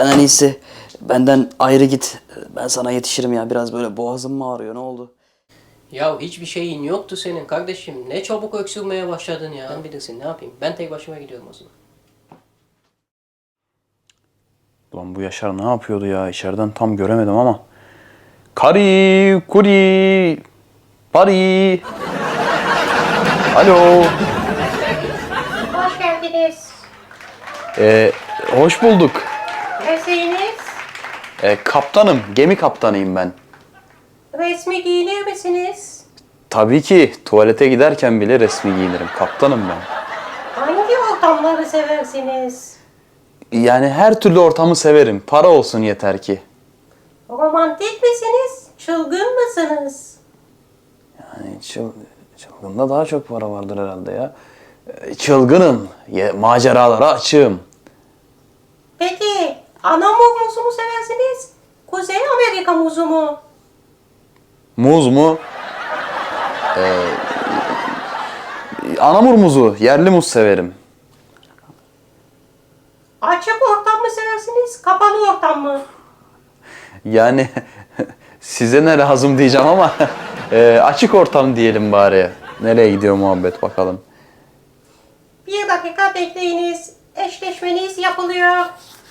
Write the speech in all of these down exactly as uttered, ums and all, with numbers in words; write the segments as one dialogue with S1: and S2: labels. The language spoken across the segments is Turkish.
S1: Sen en iyisi benden ayrı git. Ben sana yetişirim ya. Biraz böyle boğazım mı ağrıyor? Ne oldu?
S2: Ya hiçbir şeyin yoktu senin kardeşim. Ne çabuk öksürmeye başladın ya. Sen bilirsin, ne yapayım. Ben tek başıma gidiyorum o zaman.
S3: Ulan bu Yaşar ne yapıyordu ya? İçeriden tam göremedim ama. Kari, kuri, pari. Alo.
S4: Hoş geldiniz.
S3: Ee, hoş bulduk.
S4: Mesleğiniz?
S3: Ee, kaptanım, gemi kaptanıyım ben.
S4: Resmi giyinir misiniz?
S3: Tabii ki tuvalete giderken bile resmi giyinirim. Kaptanım ben.
S4: Hangi ortamları seversiniz?
S3: Yani her türlü ortamı severim. Para olsun yeter ki.
S4: Romantik misiniz? Çılgın mısınız?
S3: Yani çıl, çılgında daha çok para vardır herhalde ya. Ee, Çılgınım, ye- maceralara açığım.
S4: Peki, Anamur muzu mu seversiniz? Kuzey Amerika muzu mu?
S3: Muz mu? Ee, Anamur muzu, yerli muz severim.
S4: Açık ortam mı seversiniz? Kapalı ortam mı?
S3: Yani size ne lazım diyeceğim ama e, açık ortam diyelim bari. Nereye gidiyor muhabbet bakalım.
S4: Bir dakika bekleyiniz. Eşleşmeniz yapılıyor.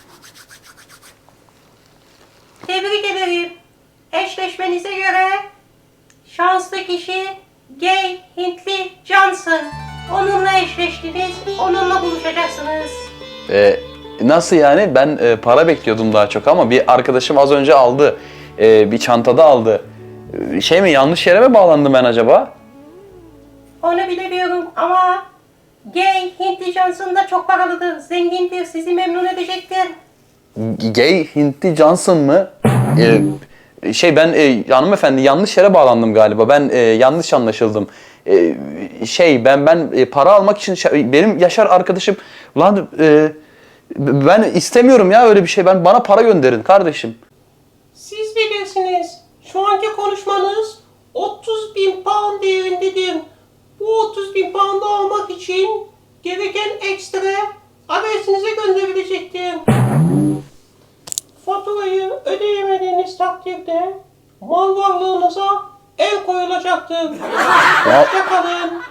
S4: Tebrik ederim. Eşleşmenize göre şanslı kişi Gay Hintli Johnson. Onunla eşleştiniz. Onunla buluşacaksınız.
S3: E, nasıl yani? Ben e, para bekliyordum daha çok ama bir arkadaşım az önce aldı. E, bir çantada aldı. E, Şey mi, yanlış yere mi bağlandım ben acaba?
S4: Onu bilemiyorum ama Gay Hintli Johnson da çok paralıdır. Zengindir. Sizi memnun edecektir.
S3: Gay Hintli Johnson mı? E, şey ben e, hanımefendi yanlış yere bağlandım galiba. Ben e, yanlış anlaşıldım. E, şey ben ben e, para almak için şey- benim Yaşar arkadaşım lan e, ben istemiyorum ya öyle bir şey. Ben bana para gönderin kardeşim.
S4: Siz bilirsiniz. Şu anki konuşmanız otuz bin pound değerindedir. Bu otuz bin pound'u almak için gereken ekstra adresinize gönderilecektir. Faturayı ödeyemediğiniz takdirde mal varlığınıza el koyulacaktır. Hoşça kalın.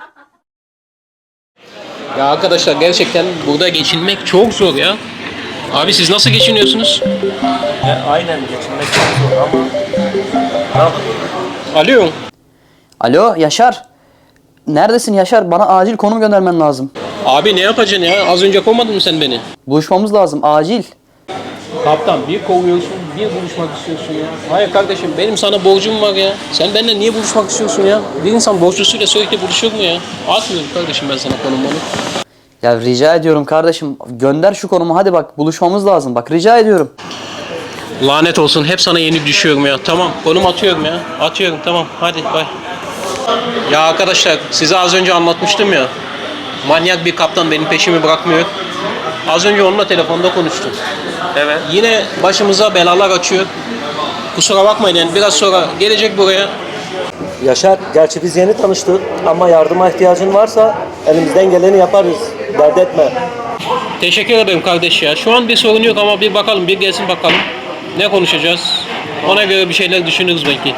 S2: Ya arkadaşlar gerçekten burada geçinmek çok zor ya. Abi siz nasıl geçiniyorsunuz?
S5: Ya aynen geçinmek çok zor ama ne yapalım?
S2: Alo.
S1: Alo Yaşar. Neredesin Yaşar? Bana acil konum göndermen lazım.
S2: Abi ne yapacaksın ya? Az önce kovmadın mı sen beni?
S1: Buluşmamız lazım. Acil.
S2: Kaptan bir kovuyorsun, bir buluşmak istiyorsun ya. Hayır kardeşim benim sana borcum var ya. Sen benimle niye buluşmak istiyorsun ya? Bir insan borçlusuyla sürekli buluşur mu ya? Atmıyorum kardeşim ben sana konumu.
S1: Ya rica ediyorum kardeşim. Gönder şu konumu. Hadi bak buluşmamız lazım. Bak rica ediyorum.
S2: Lanet olsun hep sana yenik düşüyorum ya. Tamam konum atıyorum ya. Atıyorum tamam hadi bay. Ya arkadaşlar size az önce anlatmıştım ya. Manyak bir kaptan benim peşimi bırakmıyor. Az önce onunla telefonda konuştum.
S5: Evet.
S2: Yine başımıza belalar açıyor. Kusura bakmayın yani biraz sonra gelecek buraya.
S5: Yaşar, gerçi biz yeni tanıştık ama yardıma ihtiyacın varsa elimizden geleni yaparız. Dert etme.
S2: Teşekkür ederim kardeş ya. Şu an bir sorun yok ama bir bakalım bir gelsin bakalım. Ne konuşacağız? Ona göre bir şeyler düşünürüz belki.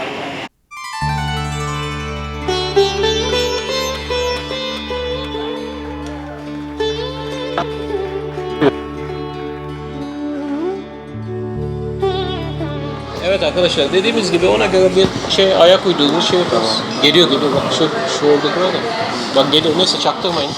S2: Evet arkadaşlar dediğimiz gibi ona göre bir şey ayak uydurduğumuz şey yaparız. Geliyor geliyor bak şu, şu oradaki var ya. Bak geliyor neyse çaktırmayın.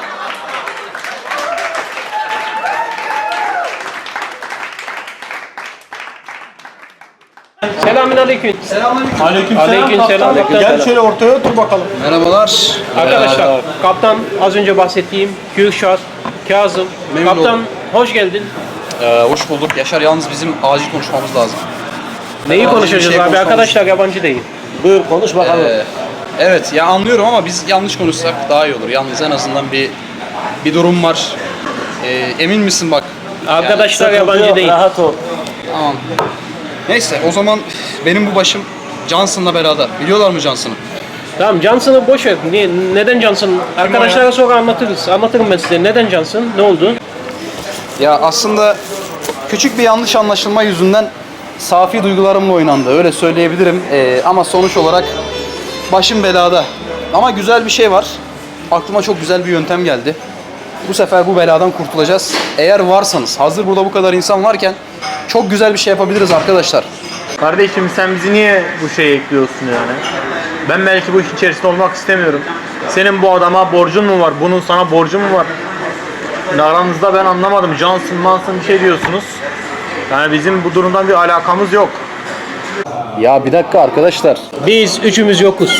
S2: Selamünaleyküm.
S6: Aleyküm
S2: Aleyküm selam.
S6: Gel şöyle ortaya otur bakalım.
S1: Merhabalar.
S2: Arkadaşlar kaptan az önce bahsettiğim Kürşat, Kazım.
S1: Memnun
S2: Kaptan
S1: oldum.
S2: hoş geldin.
S1: Ee, hoş bulduk. Yaşar yalnız bizim acil konuşmamız lazım.
S2: Neyi
S1: Acil bir
S2: konuşacağız
S1: şey
S2: abi?
S1: konuşmamız-
S2: Arkadaşlar yabancı değil.
S5: Buyur konuş bakalım.
S1: Ee, evet ya anlıyorum ama biz yanlış konuşsak daha iyi olur. Yalnız en azından bir bir durum var. Ee, emin misin bak?
S2: Arkadaşlar
S5: Sıkıntı
S2: yabancı
S5: yok,
S2: değil.
S5: rahat ol.
S1: Tamam. Neyse o zaman benim bu başım Johnson'la beraber. Biliyorlar mı Johnson'ı?
S2: Tamam Johnson'ı boş ver. Niye, neden Johnson? Arkadaşlara sonra anlatırız. Anlatırım ben size. Neden Johnson? Ne oldu?
S1: Ya aslında küçük bir yanlış anlaşılma yüzünden safi duygularımla oynandı. Öyle söyleyebilirim. Ee, ama sonuç olarak başım belada. Ama güzel bir şey var. Aklıma çok güzel bir yöntem geldi. Bu sefer bu beladan kurtulacağız. Eğer varsanız, hazır burada bu kadar insan varken çok güzel bir şey yapabiliriz arkadaşlar.
S6: Kardeşim sen bizi niye bu şeye ekliyorsun yani? Ben belki bu iş içerisinde olmak istemiyorum. Senin bu adama borcun mu var? Bunun sana borcu mu var? Yani aranızda ben anlamadım. Johnson Manson bir şey diyorsunuz. Yani bizim bu durumdan bir alakamız yok.
S1: Ya bir dakika arkadaşlar.
S2: Biz üçümüz yokuz.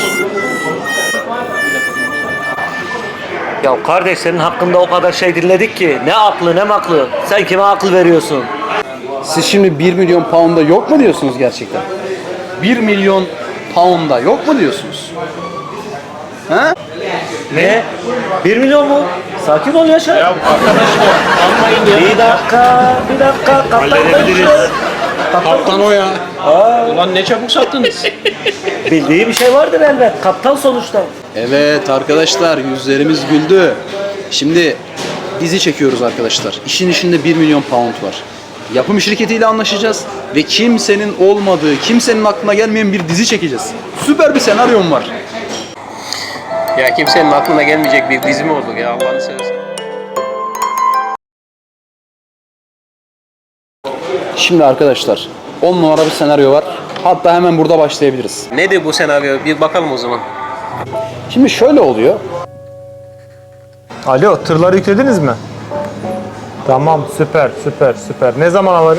S5: Ya kardeş senin hakkında o kadar şey dinledik ki. Ne aklı ne maklı. Sen kime akıl veriyorsun?
S1: Siz şimdi bir milyon pound'a yok mu diyorsunuz gerçekten? bir milyon pound'a yok mu diyorsunuz? Ha?
S5: Ne? bir milyon mu? Sakin ol Yaşar.
S6: Ya arkadaşlar anlayın ya.
S5: Bir dakika, bir dakika. Kaptan
S6: Halledebiliriz.
S2: Kaptan o ya. Ulan ne çabuk sattınız.
S5: Bildiği bir şey vardır elbet. Kaptan sonuçta.
S1: Evet arkadaşlar, yüzlerimiz güldü. Şimdi dizi çekiyoruz arkadaşlar. İşin içinde bir milyon pound var. Yapım şirketiyle anlaşacağız ve kimsenin olmadığı, kimsenin aklına gelmeyen bir dizi çekeceğiz. Süper bir senaryom var.
S2: Ya kimsenin aklına gelmeyecek bir dizi mi olur ya Allah'ını seversen.
S1: Şimdi arkadaşlar, on numara bir senaryo var. Hatta hemen burada başlayabiliriz.
S2: Nedir bu senaryo? Bir bakalım o zaman.
S1: Şimdi şöyle oluyor.
S6: Alo, tırları yüklediniz mi? Tamam, süper, süper, süper. Ne zaman alırız?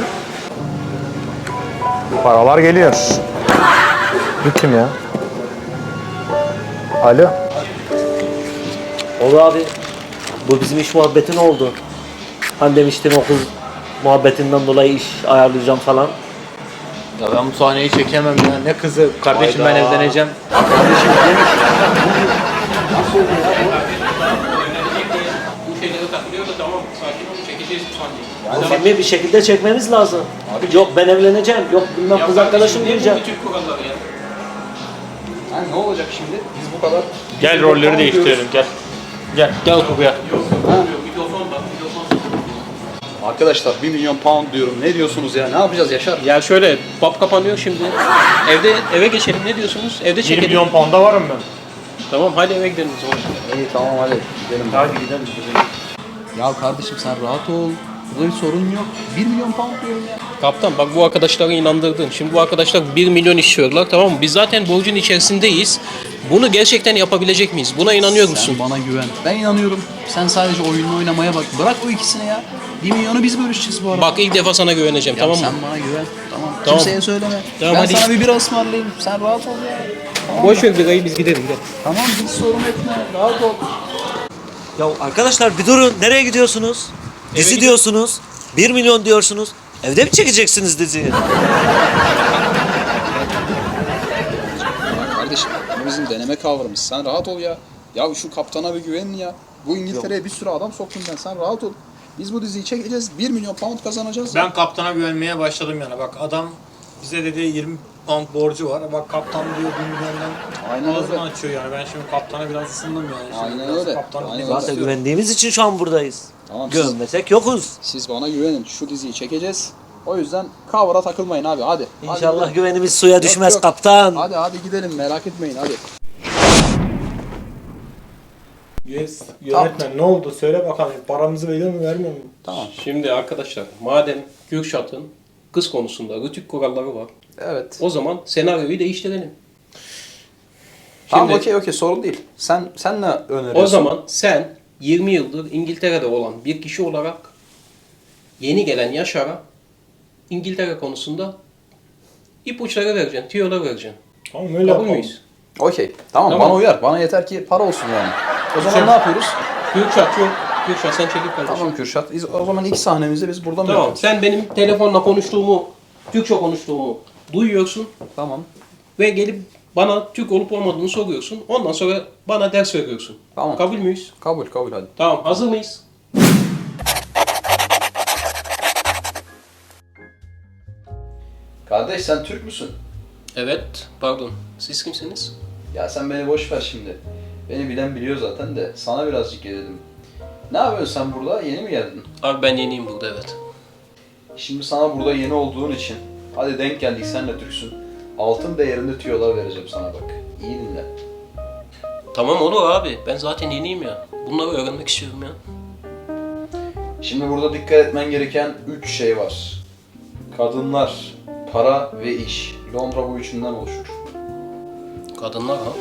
S6: Paralar geliyor. Bu kim ya? Alo.
S5: Olur abi. Bu bizim iş muhabbeti ne oldu? Hani demiştin o kız muhabbetinden dolayı iş ayarlayacağım falan.
S6: Ya ben bu sahneyi çekemem ya. Ne kızı? Kardeşim ben
S5: Hayda.
S6: evleneceğim.
S2: Bu şeylere takılıyor da tamam sakin ol çekeceğiz bu sahneyi.
S5: Filmi bir şekilde çekmemiz lazım. Yok ben evleneceğim, yok bilmem kız arkadaşım diyeceğim.
S2: Bütün kuralları ya.
S1: Ha, ne olacak şimdi? Biz bu kadar...
S6: Gel rolleri değiştirelim gel. Gel, gel buraya.
S1: Arkadaşlar bir milyon pound diyorum. Ne diyorsunuz ya? Ne yapacağız Yaşar?
S2: Ya şöyle pub kapanıyor şimdi. Evde eve geçelim ne diyorsunuz? Evde
S6: bir
S2: çekelim.
S6: milyon pound'a varım ben.
S2: Tamam hadi eve gidelim o zaman.
S1: İyi tamam hadi gidelim.
S6: Hadi gidelim.
S1: Ya kardeşim sen rahat ol. Burada bir sorun yok. bir milyon pound diyorum ya.
S2: Kaptan bak bu arkadaşları inandırdın. Şimdi bu arkadaşlar bir milyon istiyorlar tamam mı? Biz zaten borcun içerisindeyiz. Bunu gerçekten yapabilecek miyiz? Buna inanıyor musun?
S1: Sen bana güven. Ben inanıyorum. Sen sadece oyununu oynamaya bak. Bırak o ikisini ya. bir milyonu biz bölüşeceğiz bu arada.
S2: Bak ilk defa sana güveneceğim
S1: Ya
S2: tamam mı?
S1: sen bana güven. Tamam.
S2: Tamam.
S1: Kimseye söyleme.
S2: Tamam,
S1: ben
S2: hadi.
S1: sana bir bira ısmarlayayım. Sen rahat ol ya. Tamam.
S2: Boş ver birayı biz gidelim. Gidelim.
S1: Tamam hiç sorun etme. Rahat ol.
S5: Ya arkadaşlar bir durun, nereye gidiyorsunuz? Dizi
S2: gidiyorum.
S5: diyorsunuz, bir milyon diyorsunuz. Evde mi çekeceksiniz diziyi?
S1: Kardeşim bu bizim deneme kavramımız. Sen rahat ol ya. Ya şu kaptana bir güvenin ya. Bu İngiltere'ye bir sürü adam soktum ben. Sen rahat ol. Biz bu diziyi çekeceğiz. bir milyon pound kazanacağız.
S6: Ben kaptana güvenmeye başladım yani. Bak adam bize dedi yirmi pound borcu var. Bak kaptan diyor bir milyondan
S1: Aynen
S6: ağzını
S1: öyle.
S6: açıyor yani. Ben şimdi kaptana biraz ısındım yani. Şimdi
S1: Aynen
S6: biraz
S1: öyle.
S6: kaptanı
S1: Aynen
S6: dinlemek
S1: öyle.
S5: Zaten
S6: istiyorum.
S5: güvendiğimiz için şu an buradayız.
S1: Tamam, siz,
S5: Görmesek yokuz.
S1: siz bana güvenin. Şu diziyi çekeceğiz. O yüzden cover'a takılmayın abi. Hadi. Hadi
S5: İnşallah
S1: gidelim.
S5: güvenimiz suya düşmez
S1: yok.
S5: kaptan.
S1: Hadi hadi gidelim. Merak etmeyin hadi.
S6: Yes, yönetmen ne oldu? Söyle bakalım. Paramızı veriyor mu vermiyor mu?
S1: Tamam.
S2: Şimdi arkadaşlar madem Kürşat'ın kız konusunda rütük kuralları var.
S1: Evet.
S2: O zaman senaryoyu değiştirelim.
S1: Tamam
S2: Şimdi-
S1: okey okey sorun değil. Sen sen ne öneriyorsun?
S2: O zaman sen yirmi yıldır İngiltere'de olan bir kişi olarak yeni gelen Yaşar'a İngiltere konusunda ipuçları vereceksin, tüyolar vereceksin.
S6: Tamam öyle
S2: Kabul
S6: yapalım.
S2: müyüz?
S1: Okey. Tamam,
S2: Tamam.
S1: bana uyar. Bana yeter ki para olsun yani. O zaman
S2: Sen-
S1: ne yapıyoruz?
S2: Kürşat yok. Kürşat sen çekil kardeşim.
S1: Tamam Kürşat. Biz o zaman ilk sahnemizi biz burada mı
S2: Tamam.
S1: yapıyoruz?
S2: Sen benim telefonla konuştuğumu, Türkçe konuştuğumu duyuyorsun
S1: Tamam.
S2: ve gelip bana Türk olup olmadığını soruyorsun. Ondan sonra bana ders veriyorsun.
S1: Tamam.
S2: Kabul müyüz?
S1: Kabul kabul hadi.
S2: Tamam. Hazır mıyız?
S1: Kardeş sen Türk müsün?
S2: Evet. Pardon. Siz kimsiniz?
S1: Ya sen beni boş ver şimdi. Beni bilen biliyor zaten de sana birazcık gelelim. Ne yapıyorsun sen burada? Yeni mi geldin?
S2: Abi ben yeniyim burada evet.
S1: Şimdi sana burada yeni olduğun için, hadi denk geldik sen de Türksün. Altın değerinde tüyolar vereceğim sana bak. İyi dinle.
S2: Tamam olur abi. Ben zaten yeniyim ya. Bunları öğrenmek istiyorum ya.
S1: Şimdi burada dikkat etmen gereken üç şey var. Kadınlar, para ve iş. Londra bu üçünden oluşur.
S2: Kadınlar ha.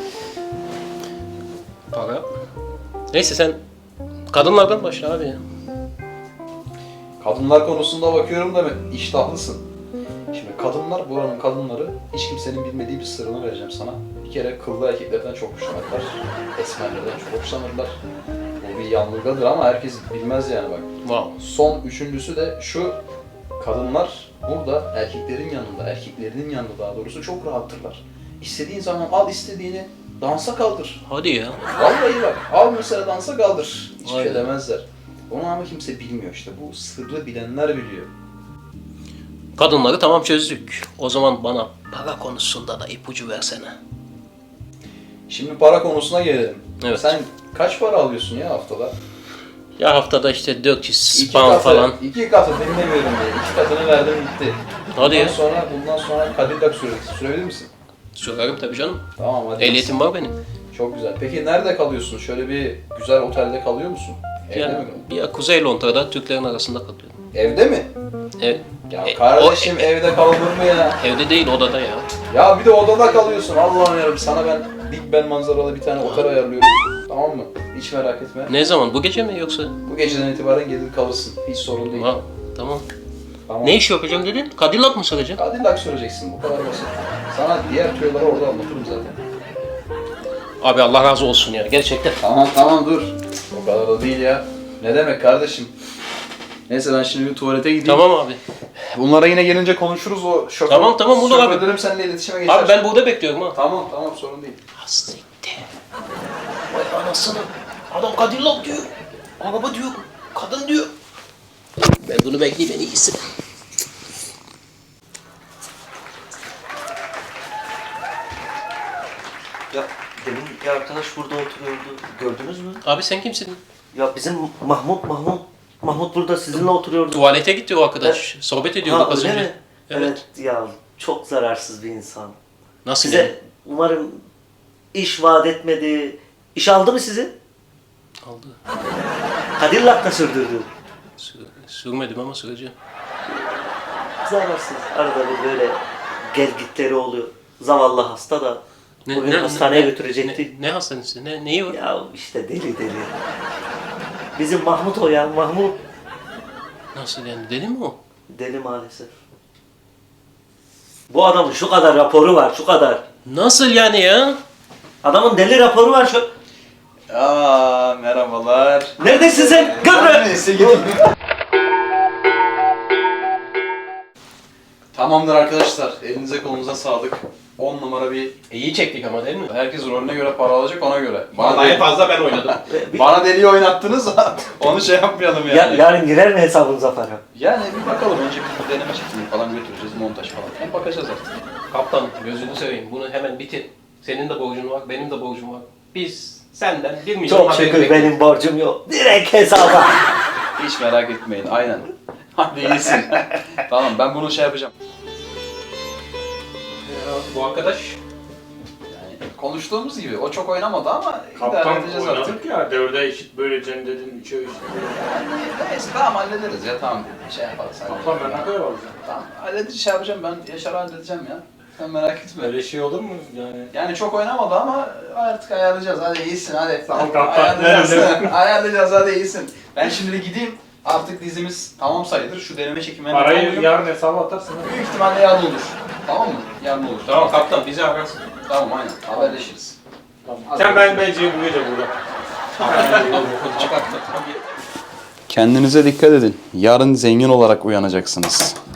S2: Para. Neyse sen kadınlardan başla abi ya.
S1: Kadınlar konusunda bakıyorum da iştahlısın. Şimdi kadınlar, buranın kadınları, hiç kimsenin bilmediği bir sırrını vereceğim sana. Bir kere kıllı erkeklerden çok hoşlanırlar. Esmerlerden çok hoşlanırlar. Bu bir yanılgıdır ama herkes bilmez yani bak.
S2: Wow.
S1: Son üçüncüsü de şu: kadınlar burada erkeklerin yanında, erkeklerinin yanında daha doğrusu çok rahattırlar. İstediğin zaman al istediğini, dansa kaldır.
S2: Hadi ya.
S1: Vallahi bak, al mesela dansa kaldır. Hiçbir şey
S2: Aynen.
S1: demezler. Onu ama kimse bilmiyor işte. Bu sırrı bilenler biliyor.
S2: Kadınları tamam çözdük. O zaman bana para konusunda da ipucu versene.
S1: Şimdi para konusuna gelelim.
S2: Evet.
S1: Sen kaç para alıyorsun ya haftada?
S2: Ya haftada işte dört yüz
S1: İki
S2: pound
S1: katı,
S2: falan.
S1: iki katı dinlemiyorum diye. İki katını verdim gitti.
S2: Hadi
S1: bundan
S2: ya.
S1: sonra, bundan sonra Cadillac süreceksin. Sürebilir misin?
S2: Söylerim tabii canım.
S1: Tamam hadi.
S2: Ehliyetim var benim.
S1: Çok güzel. Peki nerede kalıyorsun? Şöyle bir güzel otelde kalıyor musun? Evde
S2: Ya,
S1: mi kalıyorsun?
S2: ya Kuzey Londra'da Türklerin arasında kalıyorum.
S1: Evde mi?
S2: Ev,
S1: Ya
S2: e,
S1: kardeşim
S2: o-
S1: evde kalınır mı ya?
S2: evde değil odada ya.
S1: Ya bir de odada kalıyorsun. Allah'ım yarabbim, sana ben Big Ben manzaralı bir tane otel ayarlıyorum. Tamam mı? Hiç merak etme.
S2: Ne zaman? Bu gece mi yoksa?
S1: Bu geceden itibaren gelir kalırsın. Hiç sorun değil.
S2: Ha, tamam.
S1: Tamam.
S2: Ne iş yapacağım dedin? Cadillac mı saracaksın?
S1: Cadillac süreceksin. Bu kadar basit. Sana diğer tüyoları orada anlatırım zaten.
S2: Abi Allah razı olsun ya gerçekten.
S1: Tamam tamam dur. O kadar da değil ya. Ne demek kardeşim? Neyse ben şimdi bir tuvalete gideyim.
S2: Tamam abi.
S1: Bunlara yine gelince konuşuruz o şoför.
S2: Tamam, tamam, olur abi.
S1: Şoförlerim seninle iletişime geçer.
S2: Abi ben burada bekliyorum ha.
S1: Tamam tamam sorun değil.
S2: Hastikte. Vay anasını. Adam Cadillac diyor. Araba diyor. Kadın diyor. Ben bunu bekleyeyim en iyisi.
S5: Ya demin bir arkadaş burada oturuyordu. Gördünüz mü?
S2: Abi sen kimsin?
S5: Ya bizim Mahmut, Mahmut. Mahmut burada sizinle oturuyordu.
S2: Tuvalete gitti o arkadaş. Sohbet ediyorduk
S5: Ha,
S2: az
S5: öyle
S2: önce.
S5: mi? Evet. ya çok zararsız bir insan.
S2: Nasıl
S5: Size
S2: yani?
S5: umarım iş vaat etmedi. İş aldı mı sizi?
S2: Aldı.
S5: Cadillac'la sürdürdü.
S2: Sür- sürmedim ama süreceğim.
S5: Zararsız. Arada bir böyle gelgitleri oluyor. Zavallı hasta da bugün hastaneye götürecekti.
S2: Ne, ne hastanesi? Ne, neyi var?
S5: Ya işte deli deli. Bizim Mahmut o ya, Mahmut.
S2: Nasıl yani? Deli mi o?
S5: Deli maalesef. Bu adamın şu kadar raporu var, şu kadar.
S2: Nasıl yani ya?
S5: Adamın deli raporu var şu.
S1: Aa merhabalar.
S5: Neredesin sen? Gıbrı!
S1: Neyse gideyim. Tamamdır arkadaşlar. Elinize kolunuza sağlık. on numara bir...
S2: İyi çektik ama değil mi?
S1: Herkes rolüne göre para alacak, ona göre. Bana,
S2: Vallahi en
S1: deli,
S2: fazla ben oynadım.
S5: Bir-
S1: bana deliği oynattınız onu şey yapmayalım yani.
S5: Ya, yarın girer mi hesabınıza para?
S1: Yani bir bakalım. Önce bir deneme çekimi falan götüreceğiz. Montaj falan. Hem bakacağız artık.
S2: Kaptan gözünü seveyim bunu hemen bitir. Senin de borcun var, benim de borcum var. Biz senden bir milyon
S5: Çok
S2: haberi
S5: şükür
S2: bekliyoruz.
S5: benim borcum yok. Direkt hesaba.
S1: Hiç merak etmeyin. Aynen. Hadi iyisin. Tamam ben bunu şey yapacağım.
S2: Bu arkadaş
S1: Yani konuştuğumuz gibi o çok oynamadı ama idare
S6: Kaptan
S1: edeceğiz artık.
S6: oynadık ya, dörde eşit böleceğim dedin, üçe eşit böleceğim.
S1: Neyse tamam hallederiz ya tamam. Şey yaparız.
S6: Kaptan ben ne kadar alacağım?
S1: Tamam halledeceğiz şey yapacağım ben Yaşar'ı halledeceğim ya. Sen merak etme.
S6: Böyle şey olur mu yani?
S1: Yani çok oynamadı ama artık ayarlayacağız. Hadi iyisin hadi.
S6: Tamam, kaptan.
S1: Ayarlayacağız. Ayarlayacağız hadi iyisin. Ben şimdi gideyim. Artık dizimiz tamam sayılır. Şu deneme çekimlerine
S6: Parayı
S1: tamamlayayım.
S6: yarın hesaba atarsın.
S1: Büyük ihtimalle yarın olur. Tamam mı? Yarın olur.
S2: tamam kaptan bizi ararsın.
S1: Tamam aynen. Haberleşiriz.
S6: Tamam. Sen ben bence bu gece burada.
S1: Kendinize dikkat edin. Yarın zengin olarak uyanacaksınız.